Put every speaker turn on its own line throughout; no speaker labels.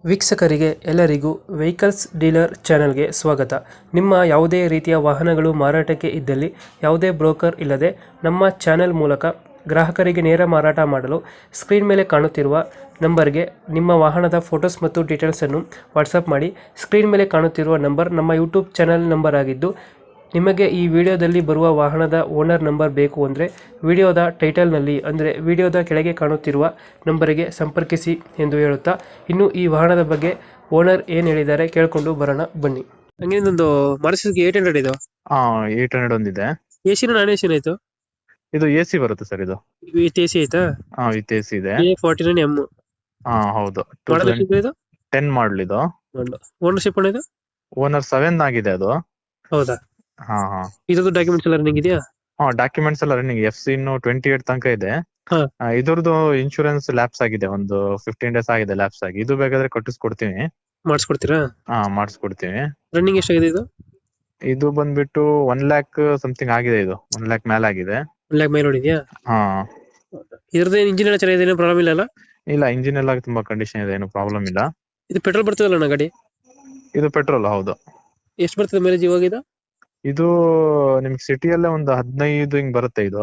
ವೀಕ್ಷಕರಿಗೆ ಎಲ್ಲರಿಗೂ vehicles dealer ಚಾನೆಲ್ಗೆ ಸ್ವಾಗತ. ನಿಮ್ಮ ಯಾವುದೇ ರೀತಿಯ ವಾಹನಗಳು ಮಾರಾಟಕ್ಕೆ ಇದ್ದಲ್ಲಿ ಯಾವುದೇ ಬ್ರೋಕರ್ ಇಲ್ಲದೆ ನಮ್ಮ ಚಾನೆಲ್ ಮೂಲಕ ಗ್ರಾಹಕರಿಗೆ ನೇರ ಮಾರಾಟ ಮಾಡಲು ಸ್ಕ್ರೀನ್ ಮೇಲೆ ಕಾಣುತ್ತಿರುವ ನಂಬರ್ಗೆ ನಿಮ್ಮ ವಾಹನದ ಫೋಟೋಸ್ ಮತ್ತು ಡೀಟೇಲ್ಸನ್ನು ವಾಟ್ಸಪ್ ಮಾಡಿ. ಸ್ಕ್ರೀನ್ ಮೇಲೆ ಕಾಣುತ್ತಿರುವ ನಂಬರ್ ನಮ್ಮ ಯೂಟ್ಯೂಬ್ ಚಾನೆಲ್ ನಂಬರ್ ಆಗಿದ್ದು, ನಿಮಗೆ ಈ ವಿಡಿಯೋದಲ್ಲಿ ಬರುವ ವಾಹನದ ಓನರ್ ನಂಬರ್ ಬೇಕು ಅಂದರೆ ವಿಡಿಯೋದ ಟೈಟಲ್ನಲ್ಲಿ ಅಂದರೆ ವಿಡಿಯೋದ ಕೆಳಗೆ ಕಾಣುತ್ತಿರುವ ನಂಬರಿಗೆ ಸಂಪರ್ಕಿಸಿ ಎಂದು ಹೇಳುತ್ತಾ, ಇನ್ನು ಈ ವಾಹನದ ಬಗ್ಗೆ ಓನರ್ ಏನು ಹೇಳಿದ್ದಾರೆ ಕೇಳಿಕೊಂಡು ಬರೋಣ ಬನ್ನಿ. ಹಂಗೆ ಒಂದು ಮಾರುತಿ 800 ಇದು
ಹಾ 800 ಒಂದಿದೆ.
ಎ ಸಿನ ನಾನ್ ಎ ಸಿನ ಆಯ್ತು?
ಇದು ಎ ಸಿ ಬರುತ್ತೆ ಸರ್. ಇದು
ವಿತ್ ಎ ಸಿ ಆಯ್ತಾ?
ಹಾ ವಿತ್ ಎ ಸಿ ಇದೆ.
A49M
ಹಾ ಹೌದು,
ಮಾಡಲ್ ಇದು
10 ಮಾಡಲ್ ಇದು.
ಓನರ್ಶಿಪ್ ಇದು
ಓನರ್ 7 ಆಗಿದೆ ಅದು.
ಹೌದಾ?
ಹಾ ಹಾ
ಇದ್ರದ್ದು ಡಾಕ್ಯುಮೆಂಟ್ಸ್ ಎಲ್ಲ ರನ್ನಿಂಗ್ ಇದೆಯಾ?
ಹಾ ಡಾಕ್ಯುಮೆಂಟ್ಸ್ ಎಲ್ಲ ರನ್ನಿಂಗ್. FC ಇನ್ನು 28 ತನಕ ಇದೆ.
ಹಾ.
ಇದ್ರದ್ದು ಇನ್ಶೂರೆನ್ಸ್ ಲ್ಯಾಪ್ಸ್ ಆಗಿದೆ, ಒಂದು 15 ಡೇಸ್ ಆಗಿದೆ ಲ್ಯಾಪ್ಸ್ ಆಗಿ. ಇದು ಬೇಕಾದ್ರೆ ಕಟ್ಟಿಸ್ಕೊಡ್ತೀನಿ.
ಮಾಡಿಸ್ಕೊಡ್ತೀರಾ?
ಹಾ ಮಾಡಿಸ್ಕೊಡ್ತೀನಿ.
ರನ್ನಿಂಗ್ ಎಷ್ಟಾಗಿದೆ ಇದು?
ಇದು ಬಂದ್ಬಿಟ್ಟು 1 ಲ್ಯಾಕ್ ಸಮಥಿಂಗ್ ಆಗಿದೆ. ಇದು 1 ಲ್ಯಾಕ್ ಮೇಲೆ ಆಗಿದೆ.
1 ಲ್ಯಾಕ್ ಮೇಲೆ ಹೊಡಿದ್ಯಾ?
ಹಾ
ಇದ್ರದ್ದು ಇಂಜಿನ್ ಎಲ್ಲ ಚೆನ್ನಾಗಿದೆ, ಏನು ಪ್ರಾಬ್ಲಮ್ ಇಲ್ಲ?
ಇಲ್ಲ, ಇಂಜಿನ್ ಎಲ್ಲ ತುಂಬಾ ಕಂಡೀಷನ್ ಇದೆ, ಏನು ಪ್ರಾಬ್ಲಮ್ ಇಲ್ಲ.
ಇದು ಪೆಟ್ರೋಲ್ ಬರ್ತದಲ್ಲ ಗಾಡಿ?
ಇದು ಪೆಟ್ರೋಲ್ ಹೌದು.
ಎಷ್ಟು ಬರ್ತದೆ ಮೈಲೇಜ್ ಇವಾಗ ಇದು?
ಇದು ನಿಮ್ಗೆ ಸಿಟಿಯಲ್ಲೇ ಒಂದು 15 ಹಿಂಗ್ ಬರುತ್ತೆ. ಇದು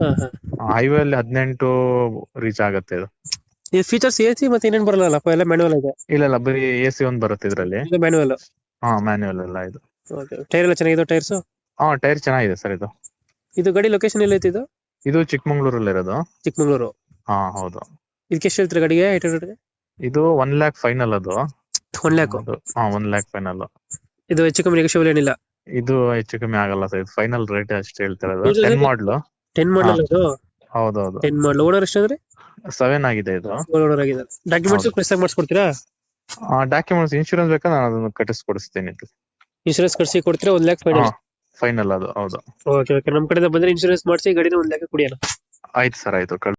ಹೈವೇ ಅಲ್ಲಿ 18 ರೀಚ್ ಆಗುತ್ತೆ.
ಇದು ಫೀಚರ್ಸ್ ಎಸಿ ಮತ್ತೆ ಏನೇನು ಬರಲ್ಲ, ಎಲ್ಲ ಮ್ಯಾನುವಲ್ ಇದೆ?
ಇಲ್ಲ ಬರೀ AC ಒಂದ್ ಬರುತ್ತೆ ಇದ್ರಲ್ಲಿ.
ಮ್ಯಾನುವಲ್?
ಹಾ ಮ್ಯಾನ್ಯುವಲ್ ಎಲ್ಲ ಇದು.
ಟೈರ್ ಎಲ್ಲ ಚೆನ್ನಾಗಿದೆ ಟೈರ್ಸ್?
ಹಾ ಟೈರ್ ಚೆನ್ನಾಗಿದೆ ಸರ್.
ಇದು ಗಾಡಿ ಲೊಕೇಶನ್ ಎಲ್ಲ ಐತಿ?
ಇದು ಚಿಕ್ಕಮಂಗ್ಳೂರಲ್ಲಿ ಇರೋದು.
ಚಿಕ್ಕಮಂಗ್ಳೂರು?
ಹಾ ಹೌದು.
ಇದಕ್ಕೆ ಎಷ್ಟು ಹೇಳ್ತೀರಾ ಗಾಡಿಗೆ? 800?
ಇದು 1 ಲ್ಯಾಕ್ ಫೈನಲ್ ಅದು.
1 ಲ್ಯಾಕ್?
ಹಾ 1 ಲ್ಯಾಕ್ ಫೈನಲ್.
ಇದು ಹೆಚ್ಚು ಕಮ್ಮಿ ನೆಗೋಷಿಯಬಲ್ ಏನಿಲ್ಲ?
ಇದು ಹೆಚ್ಚು ಕಮ್ಮಿ ಆಗಲ್ಲ ಸರ್, ಇದು ಫೈನಲ್ ರೇಟ್ ಅಷ್ಟು ಹೇಳ್ತಿರೋದು. 10 ಮಾಡ್ಲು.
10 ಮಾಡಲ್ ಅದು?
ಹೌದೌದು.
10 ಮಾಡಲ್. ಓನರ್ ಎಷ್ಟಾದ್ರೆ?
7 ಆಗಿದೆ ಇದು.
ಓನರ್ ಆಗಿದೆ. ಡಾಕ್ಯುಮೆಂಟ್ಸ್ ಪ್ರೆಸ್ ಆಗಿ ಮಾಡಿಸ್ಕೊಡ್ತೀರಾ?
ಡಾಕ್ಯುಮೆಂಟ್ಸ್ ಇನ್ಶೂರೆನ್ಸ್ ಬೇಕಾ ನಾನು ಅದನ್ನು ಕಟ್ಟಿಸ್ಕೊಡಿಸ್ತೀನಿ.
ಇನ್ಶೂರೆನ್ಸ್ ಕಟ್ಸಿ ಕೊಡ್ತೀರಾ? 1 ಲ್ಯಾಕ್ ಫೈನಲ್?
ಫೈನಲ್ ಅದು ಹೌದು.
ಓಕೆ ಓಕೆ, ನಮ್ಮ ಕಡೆಯಿಂದ ಬಂದ್ರೆ ಇನ್ಶೂರೆನ್ಸ್ ಮಾಡಿಸಿ ಗಾಡಿನ 1 ಲ್ಯಾಕ್ ಕೊಡಿ ಅಣ್ಣ.
ಆಯ್ತು ಸರ್, ಆಯ್ತು.